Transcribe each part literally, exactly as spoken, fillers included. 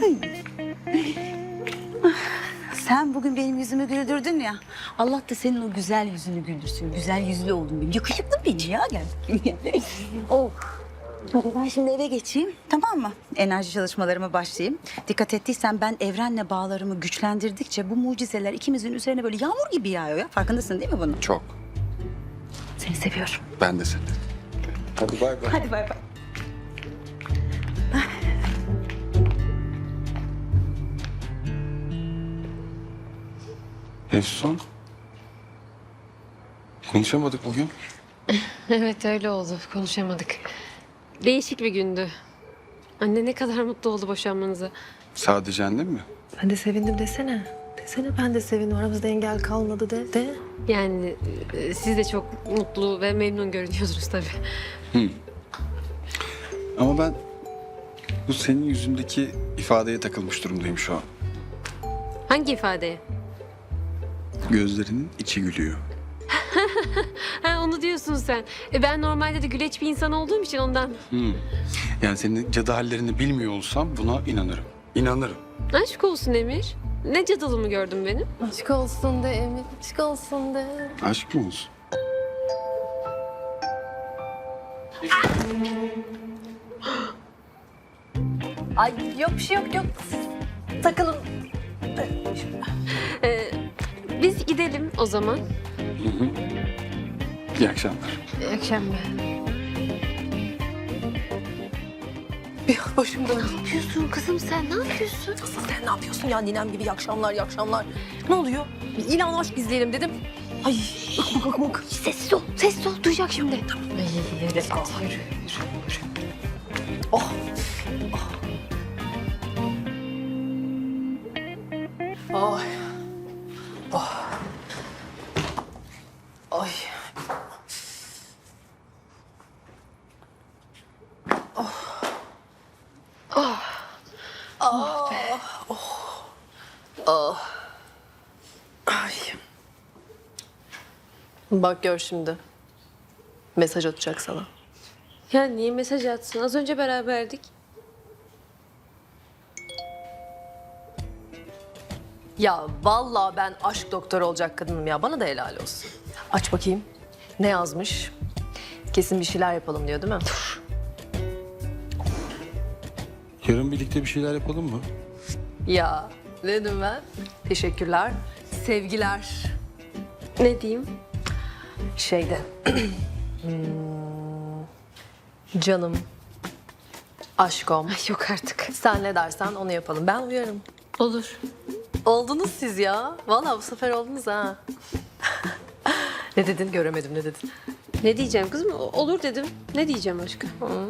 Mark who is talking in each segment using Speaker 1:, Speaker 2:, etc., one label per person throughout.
Speaker 1: Sen bugün benim yüzümü güldürdün ya. Allah da senin o güzel yüzünü güldürsün. Güzel yüzlü oldun benim. Yakışıklı beni ya. Gel. Oh. Hadi ben şimdi eve geçeyim. Tamam mı? Enerji çalışmalarıma başlayayım. Dikkat ettiysen ben evrenle bağlarımı güçlendirdikçe bu mucizeler ikimizin üzerine böyle yağmur gibi yağıyor ya. Farkındasın değil mi bunun?
Speaker 2: Çok.
Speaker 1: Seni seviyorum.
Speaker 2: Ben de seni. Hadi bay bay.
Speaker 1: Hadi bay bay.
Speaker 2: Efsun. Konuşamadık bugün.
Speaker 3: Evet öyle oldu. Konuşamadık. Değişik bir gündü. Anne ne kadar mutlu oldu boşanmanıza.
Speaker 2: Sadece annem mi?
Speaker 4: Ben de sevindim desene. Desene ben de sevindim. Aramızda engel kalmadı de. De.
Speaker 3: Yani e, siz de çok mutlu ve memnun görünüyorsunuz tabii.
Speaker 2: Ama ben bu senin yüzündeki ifadeye takılmış durumdayım şu an.
Speaker 3: Hangi ifadeye?
Speaker 2: Gözlerinin içi gülüyor.
Speaker 3: Ha onu diyorsun sen. E, ben normalde de güleç bir insan olduğum için ondan.
Speaker 2: Yani senin cadı hallerini bilmiyor olsam buna inanırım. İnanırım.
Speaker 3: Aşk olsun Emir. Ne cadılımı gördün benim?
Speaker 4: Aşk olsun de Emir. Aşk olsun de.
Speaker 2: Aşk mı olsun?
Speaker 4: Ay yok bir şey yok yok. Takılın.
Speaker 3: E, biz gidelim o zaman.
Speaker 2: İyi akşamlar.
Speaker 3: İyi akşamlar.
Speaker 4: Bir başım döndü.
Speaker 3: Ne yapıyorsun kızım sen? Ne yapıyorsun?
Speaker 4: Asıl sen ne yapıyorsun ya ninem gibi iyi akşamlar iyi akşamlar. Ne oluyor? İlan aşk izleyelim dedim. Ay ıkmık ıkmık.
Speaker 3: Sessiz ol. Sessiz ol. Duyacak şimdi.
Speaker 4: Ay öyle kal. Yürü, yürü, yürü. Oh. Oh. Ay. Oh. Ay. Ay. Bak gör şimdi. Mesaj atacak sana.
Speaker 3: Ya niye mesaj atsın? Az önce beraberdik.
Speaker 4: Ya vallahi ben aşk doktoru olacak kadınım ya. Bana da helal olsun. Aç bakayım. Ne yazmış? Kesin bir şeyler yapalım diyor değil mi?
Speaker 2: Yarın birlikte bir şeyler yapalım mı?
Speaker 4: Ya ne dedim ben? Teşekkürler. Sevgiler.
Speaker 3: Ne diyeyim?
Speaker 4: Şeyde. Hmm, canım. Aşkom.
Speaker 3: Ay yok artık.
Speaker 4: Sen ne dersen onu yapalım. Ben uyarım.
Speaker 3: Olur.
Speaker 4: Oldunuz siz ya. Vallahi bu sefer oldunuz ha. Ne dedin? Göremedim ne dedin?
Speaker 3: Ne diyeceğim kızım? O- Olur dedim. Ne diyeceğim aşkım?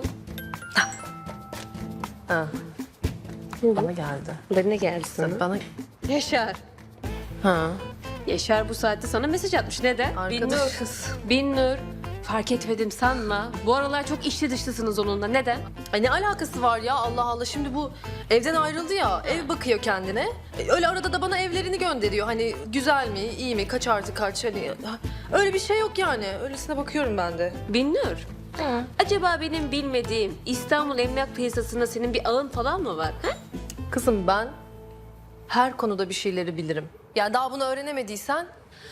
Speaker 4: Ha. Bana geldi.
Speaker 3: Bana geldi sana.
Speaker 4: Bana...
Speaker 3: Yaşar.
Speaker 4: Ha.
Speaker 3: Yaşar bu saatte sana mesaj atmış. Neden?
Speaker 4: Arkadaşız.
Speaker 3: Bin Nur. Fark etmedim sanma. Bu aralar çok içli dışlısınız onunla. Neden?
Speaker 4: Ay ne alakası var ya Allah Allah. Şimdi bu evden ayrıldı ya. Ev bakıyor kendine. E, Öyle arada da bana evlerini gönderiyor. Hani güzel mi, iyi mi, kaç artı kaç hani. Öyle bir şey yok yani. Öylesine bakıyorum ben de.
Speaker 3: Bin Nur. Acaba benim bilmediğim İstanbul emlak piyasasında senin bir ağın falan mı var? Ha?
Speaker 4: Kızım ben her konuda bir şeyleri bilirim. Yani daha bunu öğrenemediysen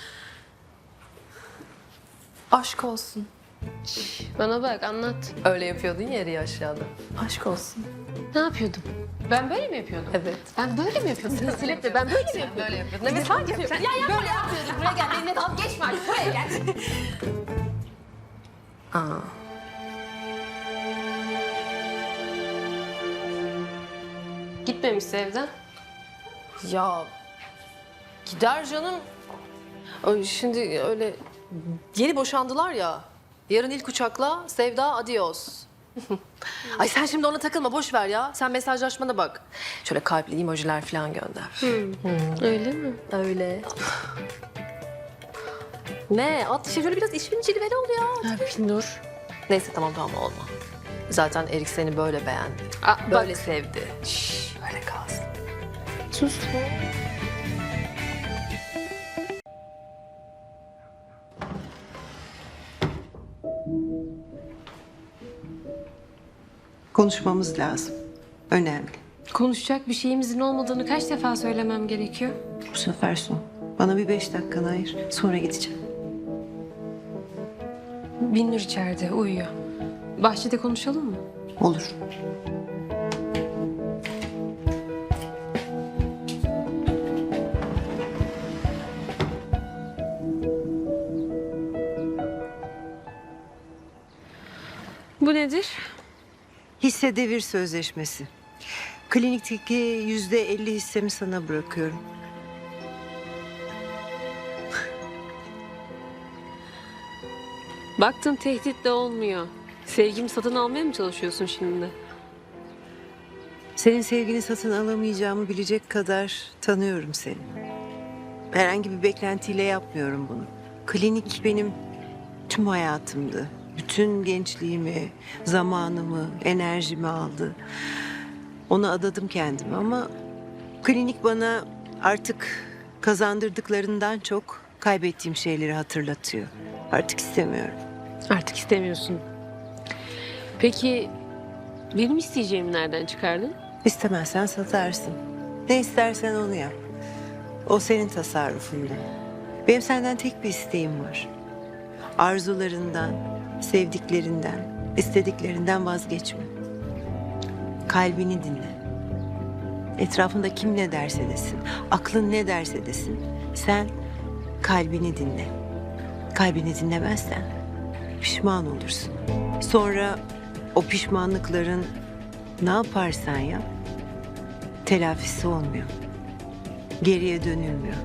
Speaker 4: aşk olsun.
Speaker 3: Bana bak anlat.
Speaker 4: Öyle yapıyordun ya yeri aşağıda. Aşk olsun.
Speaker 3: Ne yapıyordum? Ben böyle mi yapıyordum?
Speaker 4: Evet.
Speaker 3: Ben böyle mi yapıyordum? Silip de ben böyle mi yapıyordum?
Speaker 4: Böyle yapıyordun. Evet hangi yapıyordun? Ya ya böyle yapıyordun. Buraya gel. Benimle dalga geçme artık. Buraya gel. Aa.
Speaker 3: Gitmemişse evden.
Speaker 4: Ya gider canım. Ay, Şimdi öyle yeni boşandılar ya. Yarın ilk uçakla Sevda adios. Ay sen şimdi ona takılma boş ver ya. Sen mesajlaşmana bak. Şöyle kalpli emojiler falan gönder.
Speaker 3: Öyle mi?
Speaker 4: Öyle. Ne? At işte şöyle biraz işin cilveli ol ya.
Speaker 3: Ya Bin Nur.
Speaker 4: Neyse tamam tamam olma. Zaten Erik seni böyle beğendi.
Speaker 3: Aa,
Speaker 4: Böyle
Speaker 3: bak.
Speaker 4: sevdi. Şşş öyle kalsın.
Speaker 3: Sus.
Speaker 5: Konuşmamız lazım. Önemli.
Speaker 3: Konuşacak bir şeyimizin olmadığını kaç defa söylemem gerekiyor?
Speaker 5: Bu sefer son. Bana bir beş dakikanı ayır. Sonra gideceğim.
Speaker 3: Binnur içeride uyuyor. Bahçede konuşalım mı?
Speaker 5: Olur.
Speaker 3: Bu nedir?
Speaker 5: Hisse devir sözleşmesi. Klinikteki yüzde elli hissemi sana bırakıyorum.
Speaker 3: Baktın tehdit de olmuyor. Sevgimi satın almaya mı çalışıyorsun şimdi?
Speaker 5: Senin sevgini satın alamayacağımı bilecek kadar tanıyorum seni. Herhangi bir beklentiyle yapmıyorum bunu. Klinik benim tüm hayatımdı. Bütün gençliğimi, zamanımı, enerjimi aldı. Ona adadım kendimi ama klinik bana artık kazandırdıklarından çok kaybettiğim şeyleri hatırlatıyor. Artık istemiyorum.
Speaker 3: Artık istemiyorsun. Peki benim isteyeceğimi nereden çıkardın?
Speaker 5: İstemezsen satarsın. Ne istersen onu yap. O senin tasarrufunda. Benim senden tek bir isteğim var. Arzularından, sevdiklerinden, istediklerinden vazgeçme. Kalbini dinle. Etrafında kim ne derse desin, aklın ne derse desin. Sen kalbini dinle. Kalbini dinlemezsen pişman olursun. Sonra o pişmanlıkların ne yaparsan yap, telafisi olmuyor. Geriye dönülmüyor.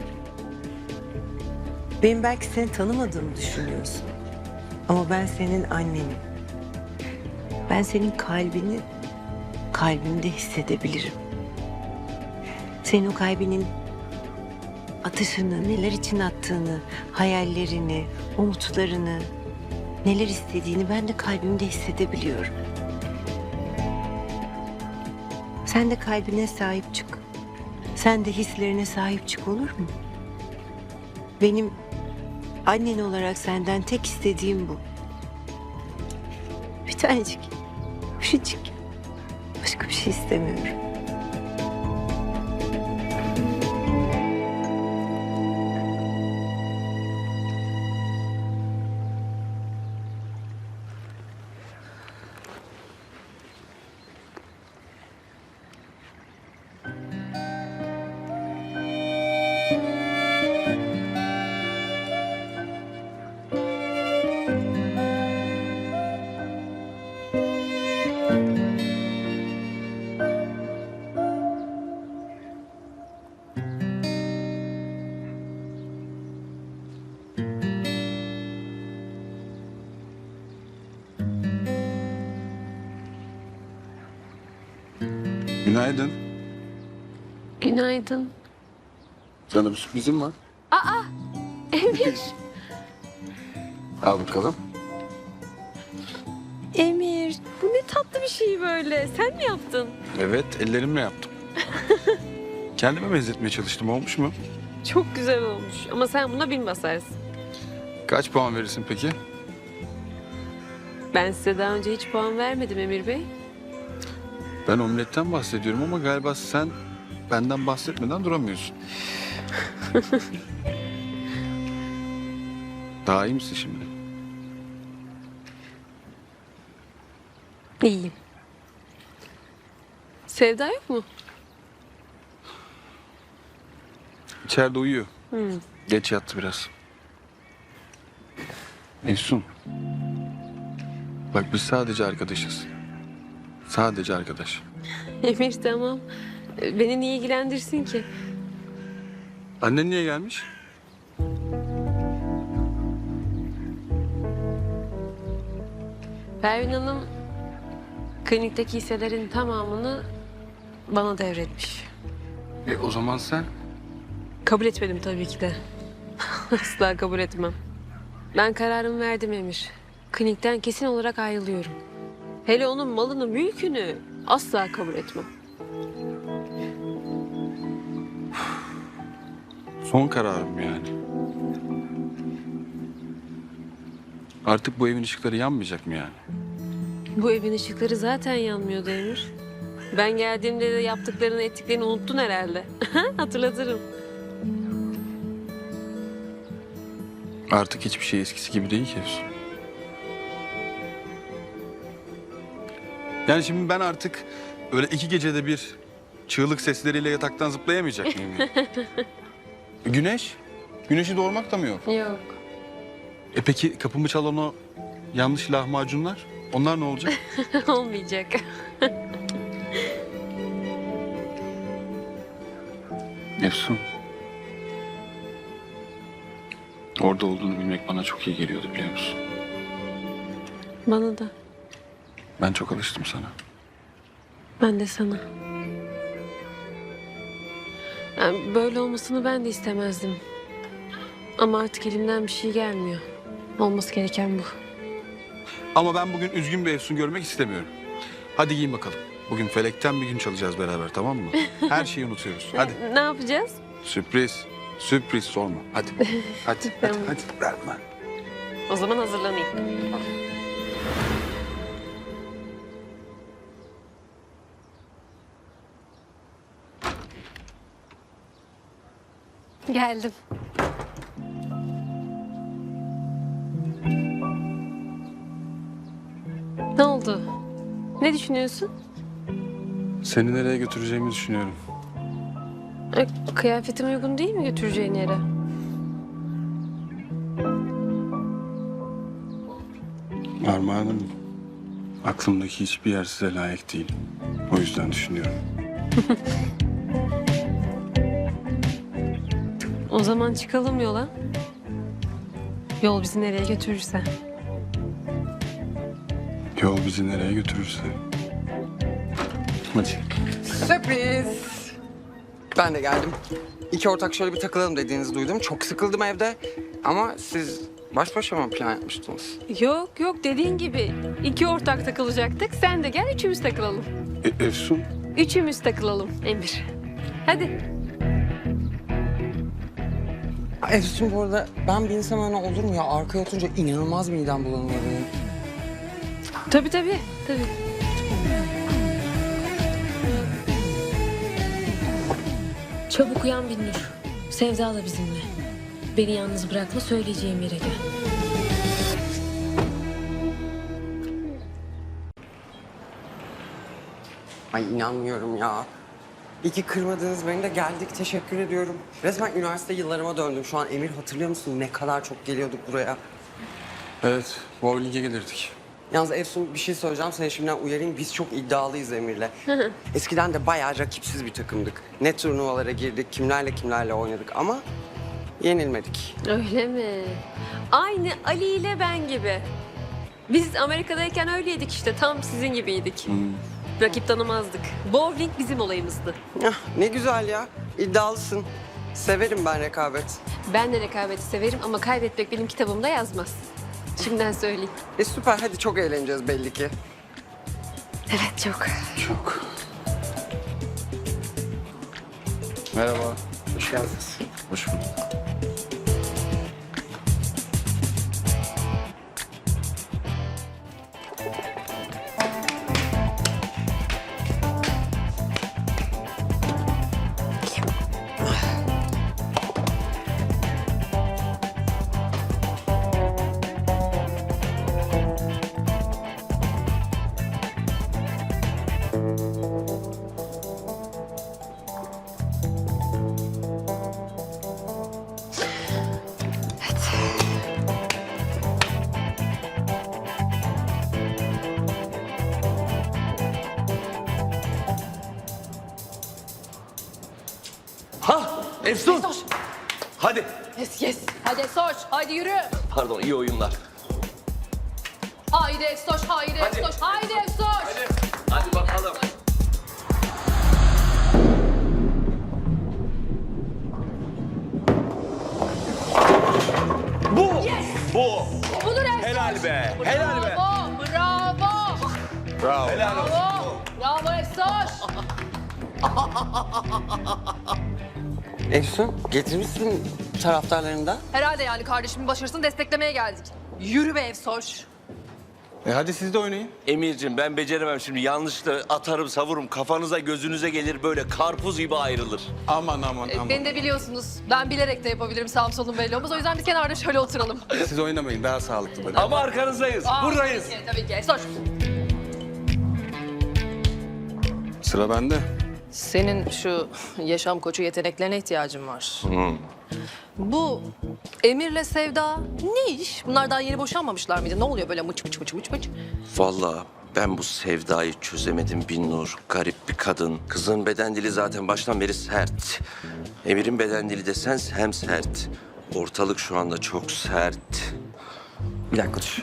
Speaker 5: Benim belki seni tanımadığımı düşünüyorsun. Ama ben senin annenim. Ben senin kalbini kalbimde hissedebilirim. Senin o kalbinin atışını, neler için attığını, hayallerini, umutlarını, neler istediğini ben de kalbimde hissedebiliyorum. Sen de kalbine sahip çık. Sen de hislerine sahip çık, olur mu? Benim annen olarak senden tek istediğim bu. Bir tanecik, küçücük. Başka bir şey istemiyorum.
Speaker 2: Günaydın.
Speaker 3: Günaydın.
Speaker 2: Sana bir sürprizim var.
Speaker 3: Emir.
Speaker 2: Al bakalım.
Speaker 3: Emir. Bu ne tatlı bir şey böyle. Sen mi yaptın?
Speaker 2: Evet, ellerimle yaptım. Kendime benzetmeye çalıştım. Olmuş mu?
Speaker 3: Çok güzel olmuş. Ama sen buna bin basarsın.
Speaker 2: Kaç puan verirsin peki?
Speaker 3: Ben size daha önce hiç puan vermedim Emir Bey.
Speaker 2: Ben omletten bahsediyorum ama galiba sen benden bahsetmeden duramıyorsun. Daha iyi misin şimdi?
Speaker 3: İyiyim. Sevda yok mu?
Speaker 2: İçeride uyuyor. Geç yattı biraz. Efsun. Bak biz sadece arkadaşız. Sadece arkadaş.
Speaker 3: Emir tamam. Beni niye ilgilendirsin ki?
Speaker 2: Annen niye gelmiş?
Speaker 3: Pervin Hanım klinikteki hisselerin tamamını bana devretmiş.
Speaker 2: E o zaman sen?
Speaker 3: Kabul etmedim tabii ki de. Asla kabul etmem. Ben kararımı verdim Emir. Klinikten kesin olarak ayrılıyorum. Hele onun malını, mülkünü asla kabul etmem.
Speaker 2: Son kararım yani. Artık bu evin ışıkları yanmayacak mı yani?
Speaker 3: Bu evin ışıkları zaten yanmıyordu Emir. Ben geldiğimde de yaptıklarını ettiklerini unuttun herhalde. Hatırlatırım.
Speaker 2: Artık hiçbir şey eskisi gibi değil ki Efsun. Yani şimdi ben artık öyle iki gecede bir çığlık sesleriyle yataktan zıplayamayacak mıyım? Yani? Güneş? Güneşi doğurmak da mı yok?
Speaker 3: Yok.
Speaker 2: E peki kapımı çalan o yanlış lahmacunlar? Onlar ne olacak?
Speaker 3: Olmayacak.
Speaker 2: Efsun. Orada olduğunu bilmek bana çok iyi geliyordu biliyor musun?
Speaker 3: Bana da.
Speaker 2: Ben çok alıştım sana.
Speaker 3: Ben de sana. Yani böyle olmasını ben de istemezdim. Ama artık elimden bir şey gelmiyor. Olması gereken bu.
Speaker 2: Ama ben bugün üzgün bir Efsun görmek istemiyorum. Hadi giyin bakalım. Bugün felekten bir gün çalacağız beraber, tamam mı? Her şeyi unutuyoruz. Hadi.
Speaker 3: Ne yapacağız?
Speaker 2: Sürpriz. Sürpriz sorma. Hadi. Hadi. Hadi. Hadi. Ver bana.
Speaker 3: O zaman hazırlanayım. Geldim. Ne oldu? Ne düşünüyorsun?
Speaker 2: Seni nereye götüreceğimi düşünüyorum.
Speaker 3: E, kıyafetim uygun değil mi götüreceğin yere?
Speaker 2: Armağanım, aklımdaki hiçbir yer size layık değil. O yüzden düşünüyorum.
Speaker 3: O zaman çıkalım yola. Yol bizi nereye götürürse.
Speaker 2: Yol bizi nereye götürürse. Hadi.
Speaker 6: Sürpriz. Ben de geldim. İki ortak şöyle bir takılalım dediğinizi duydum. Çok sıkıldım evde. Ama siz baş başa mı plan yapmıştınız?
Speaker 3: Yok yok dediğin gibi iki ortak takılacaktık. Sen de gel üçümüz takılalım.
Speaker 2: E, Efsun,
Speaker 3: Üçümüz takılalım Emir. Hadi.
Speaker 6: Efsun bu arada ben bir insan öyle olur mu ya? Arkaya oturunca inanılmaz midem bulanıyor benim.
Speaker 3: Tabii tabii. Tabii. Çabuk uyan Binnur. Sevda da bizimle. Beni yalnız bırakma, söyleyeceğim yere gel.
Speaker 6: Ay inanmıyorum ya. İyi ki kırmadınız beni de geldik. Teşekkür ediyorum. Resmen üniversite yıllarıma döndüm. Şu an Emir hatırlıyor musun? Ne kadar çok geliyorduk buraya.
Speaker 2: evet, bowling'e gelirdik.
Speaker 6: Yalnız Efsun bir şey söyleyeceğim. Seni şimdiden uyarayım. Biz çok iddialıyız Emir'le. Eskiden de bayağı rakipsiz bir takımdık. Ne turnuvalara girdik, kimlerle kimlerle oynadık ama yenilmedik.
Speaker 3: Öyle mi? Aynı Ali ile ben gibi. Biz Amerika'dayken öyleydik işte. Tam sizin gibiydik. Rakip tanımazdık. Bowling bizim olayımızdı.
Speaker 6: Hah, ne güzel ya. İddialısın. Severim ben rekabet.
Speaker 3: Ben de rekabeti severim ama kaybetmek benim kitabımda yazmaz. Şimdiden söyleyeyim.
Speaker 6: E süper. Hadi çok eğleneceğiz belli ki.
Speaker 3: Evet çok.
Speaker 2: Çok. Merhaba.
Speaker 6: Hoş geldiniz.
Speaker 2: Hoş bulduk.
Speaker 7: Ha, Efsun. Hadi.
Speaker 4: Yes yes. Hadi Efsoş, haydi yürü.
Speaker 7: Pardon, iyi oyunlar.
Speaker 4: Haydi Efsoş, haydi Efsoş, haydi Efsoş.
Speaker 7: Hadi bakalım. Bu. Bu.
Speaker 4: Budur Efsoş.
Speaker 7: Helal be. Helal be.
Speaker 4: Bravo, bravo.
Speaker 2: Bravo.
Speaker 7: Helal olsun.
Speaker 4: Bravo, bravo Efsoş.
Speaker 6: Efsun getirmişsin taraftarlarını da.
Speaker 4: Herhalde yani kardeşimin başarısını desteklemeye geldik. Yürü be Efsoş.
Speaker 2: E hadi siz de oynayın.
Speaker 7: Emir'cim ben beceremem şimdi. Yanlışla atarım savururum. Kafanıza gözünüze gelir böyle karpuz gibi ayrılır.
Speaker 2: Aman aman aman.
Speaker 4: Beni de biliyorsunuz. Ben bilerek de yapabilirim sağım solum belli olmaz. O yüzden biz kenarda şöyle oturalım.
Speaker 2: Siz oynamayın daha sağlıklı böyle.
Speaker 7: Ama arkanızdayız.
Speaker 4: Aa,
Speaker 7: Buradayız.
Speaker 4: Tabii ki, tabii ki. Sor.
Speaker 2: Sıra bende.
Speaker 4: Senin şu yaşam koçu yeteneklerine ihtiyacın var. Bu Emir'le Sevda ne iş? Bunlar daha yeni boşanmamışlar mıydı? Ne oluyor böyle mıç mıç mıç mıç mıç?
Speaker 7: Vallahi ben bu Sevda'yı çözemedim Binnur. Garip bir kadın. Kızın beden dili zaten baştan beri sert. Emir'in beden dili desen hem sert. Ortalık şu anda çok sert.
Speaker 6: Bir dakika dur.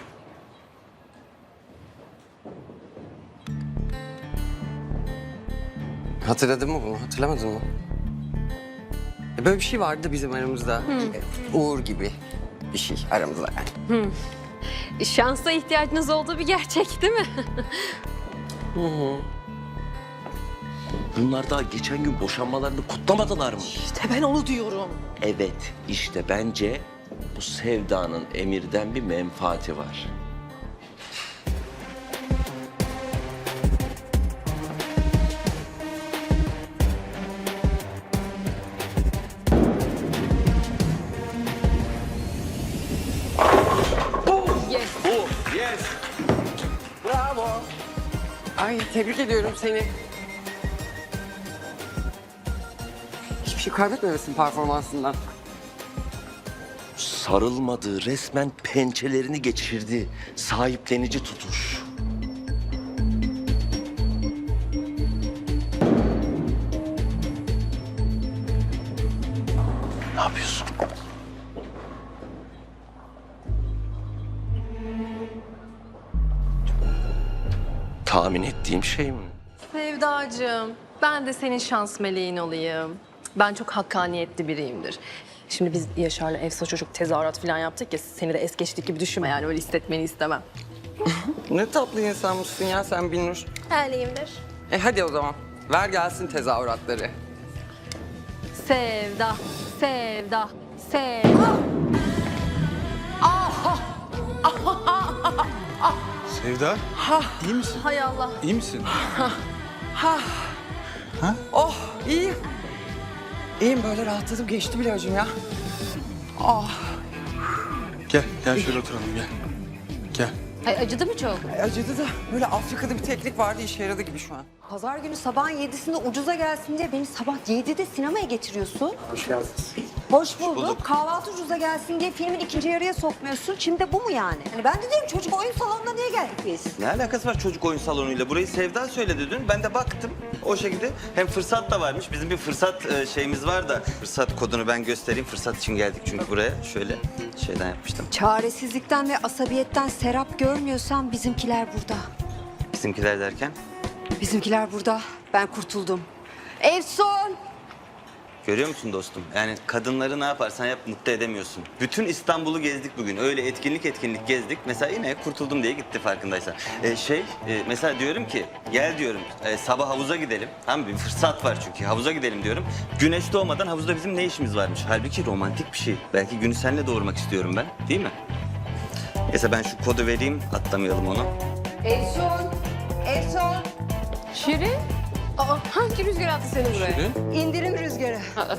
Speaker 6: Hatırladın mı bunu? Hatırlamadın mı? E, Böyle bir şey vardı bizim aramızda. E, Uğur gibi bir şey aramızda yani.
Speaker 3: Şansa ihtiyacınız olduğu bir gerçek değil mi?
Speaker 7: Bunlar daha geçen gün boşanmalarını kutlamadılar mı?
Speaker 4: İşte ben onu diyorum.
Speaker 7: Evet, işte bence bu Sevda'nın Emir'den bir menfaati var.
Speaker 3: Yes.
Speaker 7: Bu, yes.
Speaker 6: Bravo. Ay tebrik ediyorum seni. Hiçbir şey kaybetmemesin performansından.
Speaker 7: Sarılmadı, resmen pençelerini geçirdi. Sahiplenici tutuş. Ne yapıyorsun? Tahmin ettiğim şey mi?
Speaker 4: Sevdacığım, ben de senin şans meleğin olayım. Ben çok hakkaniyetli biriyimdir. Şimdi biz Yaşar'la Efsa çocuk tezahürat falan yaptık ya, seni de es geçtik gibi düşünme yani, öyle hissetmeni istemem.
Speaker 6: Ne tatlı insanmışsın ya sen Binnur.
Speaker 4: Öyleyimdir.
Speaker 6: E hadi o zaman. Ver gelsin tezahüratları.
Speaker 4: Sevda, sevda, sevda.
Speaker 2: Sevda. iyi misin?
Speaker 4: Hay Allah.
Speaker 2: İyi misin?
Speaker 6: Oh iyiyim. İyiyim böyle rahatladım geçti bile hocam ya.
Speaker 2: Gel, gel şöyle oturalım gel. Gel.
Speaker 3: Ay, acıdı mı çok?
Speaker 6: Ay, acıdı da böyle Afrika'da bir teknik vardı işe yaradı gibi şu an.
Speaker 8: Pazar günü sabahın yedisinde ucuza gelsin diye beni sabah yedide sinemaya getiriyorsun.
Speaker 6: Hoş geldiniz.
Speaker 8: Hoş bulduk. Kahvaltı ucuza gelsin diye filmin ikinci yarıya sokmuyorsun. Şimdi de bu mu yani? Hani ben de diyorum çocuk oyun salonuna niye geldik biz?
Speaker 9: Ne alakası var çocuk oyun salonuyla? Burayı Sevda söyledi dün. Ben de baktım o şekilde. Hem fırsat da varmış. Bizim bir fırsat e, şeyimiz var da. Fırsat kodunu ben göstereyim. Fırsat için geldik çünkü buraya. Şöyle şeyden yapmıştım.
Speaker 8: Çaresizlikten ve asabiyetten serap görmüyorsan bizimkiler burada.
Speaker 9: Bizimkiler derken.
Speaker 8: Bizimkiler burada. Ben kurtuldum. Efsun!
Speaker 9: Görüyor musun dostum? Yani kadınları ne yaparsan yap mutlu edemiyorsun. Bütün İstanbul'u gezdik bugün. Öyle etkinlik etkinlik gezdik. Mesela yine kurtuldum diye gitti farkındaysan. Ee, şey e, mesela diyorum ki gel diyorum e, sabah havuza gidelim. Tamam bir fırsat var çünkü havuza gidelim diyorum. Güneş doğmadan havuzda bizim ne işimiz varmış? Halbuki romantik bir şey. Belki günü seninle doğurmak istiyorum ben. Değil mi? Neyse ben şu kodu vereyim atlamayalım onu.
Speaker 8: Efsun! Efsun!
Speaker 3: Şirin? Aa, hangi rüzgar attı seni buraya?
Speaker 8: İndirim rüzgarı.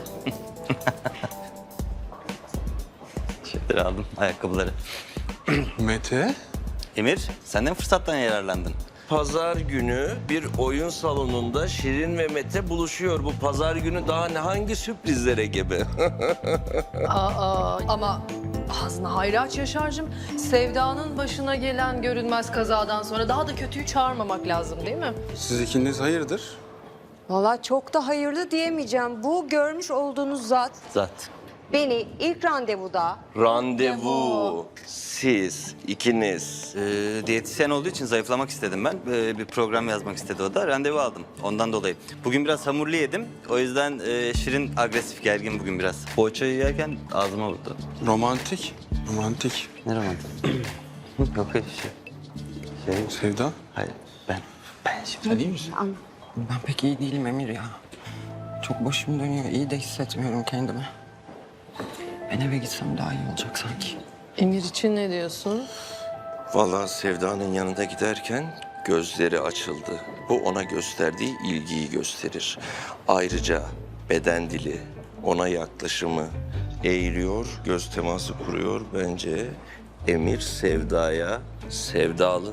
Speaker 9: Şeyleri aldım ayakkabıları.
Speaker 2: Mete.
Speaker 9: Emir sen de mi fırsattan yararlandın?
Speaker 7: Pazar günü bir oyun salonunda Şirin ve Mete buluşuyor. Bu pazar günü daha ne hangi sürprizlere gebe?
Speaker 4: Aa, ama ağzına hayra aç Yaşar'cığım. Sevda'nın başına gelen görünmez kazadan sonra daha da kötüyü çağırmamak lazım değil mi?
Speaker 2: Siz ikiniz hayırdır?
Speaker 8: Vallahi çok da hayırlı diyemeyeceğim. Bu görmüş olduğunuz zat
Speaker 9: Zat.
Speaker 8: beni ilk randevuda
Speaker 7: Randevu. Siz ikiniz.
Speaker 9: Ee, diyetisyen olduğu için zayıflamak istedim ben. Ee, bir program yazmak istedi o da. Randevu aldım. Ondan dolayı. Bugün biraz hamurlu yedim. O yüzden e, Şirin agresif, gergin bugün biraz. Poğaçayı yerken ağzıma vurdu.
Speaker 2: Romantik. Romantik.
Speaker 9: Ne romantik? Yok öyle şey. Şey,
Speaker 2: Sevda.
Speaker 9: hayır ben. Ben şimdi.
Speaker 2: Sen iyi misin?
Speaker 6: Ben pek iyi değilim Emir ya. Çok başım dönüyor. İyi de hissetmiyorum kendimi. Ben eve gitsem daha iyi olacak sanki.
Speaker 4: Emir için ne diyorsun?
Speaker 7: Vallahi Sevda'nın yanında giderken gözleri açıldı. Bu ona gösterdiği ilgiyi gösterir. Ayrıca beden dili, ona yaklaşımı eğiliyor, göz teması kuruyor. Bence Emir Sevda'ya sevdalı.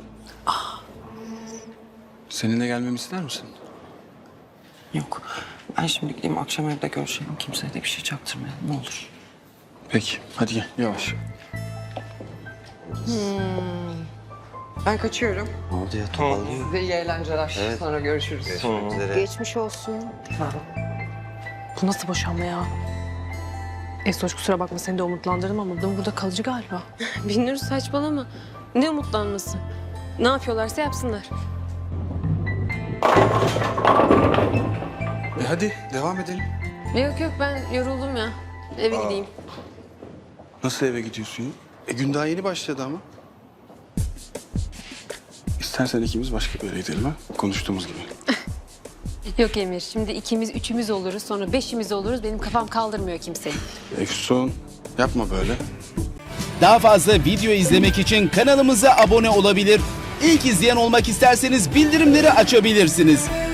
Speaker 2: Seninle gelmemi ister misin?
Speaker 6: Yok. Ben şimdi gideyim akşam evde görüşelim. Kimseye de bir şey çaktırmayalım ne olur.
Speaker 2: Peki, hadi gel yavaş.
Speaker 6: Ben kaçıyorum.
Speaker 9: Ne oldu ya toparlıyor.
Speaker 6: Size iyi eğlenceler. Sonra görüşürüz.
Speaker 9: Görüşmek üzere.
Speaker 8: Geçmiş olsun.
Speaker 4: Bu nasıl boşanma ya? Esoş kusura bakma seni de umutlandırdım ama bu burada kalıcı galiba.
Speaker 3: Binnur saçmalama. Ne umutlanması? Ne yapıyorlarsa yapsınlar.
Speaker 2: E hadi devam edelim.
Speaker 3: Yok yok ben yoruldum ya. Eve gideyim.
Speaker 2: Nasıl eve gidiyorsun ya? E gün daha yeni başladı ama. İstersen ikimiz başka bir yere gidelim ha. Konuştuğumuz gibi.
Speaker 3: Yok Emir şimdi ikimiz üçümüz oluruz sonra beşimiz oluruz. Benim kafam kaldırmıyor kimseyi.
Speaker 2: Efsun yapma böyle.
Speaker 10: Daha fazla video izlemek için kanalımıza abone olabilir. İlk izleyen olmak isterseniz bildirimleri açabilirsiniz.